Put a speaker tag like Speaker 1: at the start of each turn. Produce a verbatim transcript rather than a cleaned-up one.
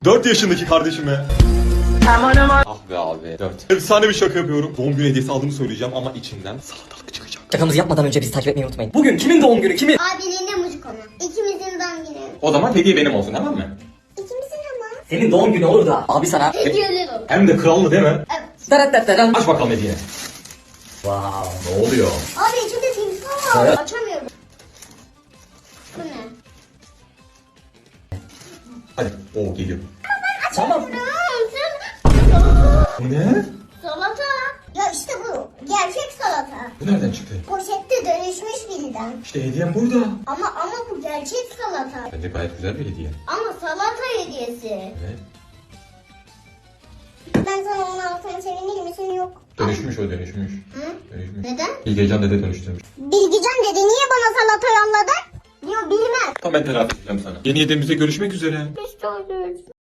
Speaker 1: dört yaşındaki kardeşime.
Speaker 2: Aman aman.
Speaker 1: Ah be abi. dört. Efsane bir şaka yapıyorum. Doğum günü hediyesi aldığımı söyleyeceğim ama içinden salatalık çıkacak.
Speaker 3: Şakamızı yapmadan önce bizi takip etmeyi unutmayın. Bugün kimin doğum günü? Kimin?
Speaker 4: Abinin emojik onu. İkimizin doğum günü.
Speaker 1: O zaman hediye benim olsun, tamam mı?
Speaker 4: İkimizin ama.
Speaker 3: Senin doğum günü olur da abi sana...
Speaker 4: Hediyeler olur.
Speaker 1: Hem de krallı değil mi?
Speaker 4: Evet.
Speaker 3: Darat
Speaker 1: Aç bakalım hediyeni.
Speaker 3: Wow.
Speaker 1: Ne oluyor?
Speaker 4: Abi içinde timsah var.
Speaker 3: Evet.
Speaker 4: Açamıyorum. Bu ne?
Speaker 1: Hadi. Oo geliyor.
Speaker 3: Tamam.
Speaker 1: Bu ne?
Speaker 4: Salata. Ya işte bu. Gerçek salata.
Speaker 1: Bu nereden çıktı?
Speaker 4: Poşette dönüşmüş birden.
Speaker 1: İşte hediyem burada.
Speaker 4: Ama ama bu gerçek salata.
Speaker 1: Bence gayet güzel bir hediye.
Speaker 4: Ama salata hediyesi.
Speaker 1: Evet.
Speaker 4: Ben sana onu alsam sevinir misin? Yok.
Speaker 1: Dönüşmüş o dönüşmüş.
Speaker 4: Hı?
Speaker 1: Dönüşmüş.
Speaker 4: Neden?
Speaker 1: Bilgecan dede dönüştürmüş.
Speaker 4: Bilgican dedi niye bana salata yolladın? Yok bilmem.
Speaker 1: Tamam ben telafi edeceğim sana. Yeni hediyemizde görüşmek üzere.
Speaker 4: Biz de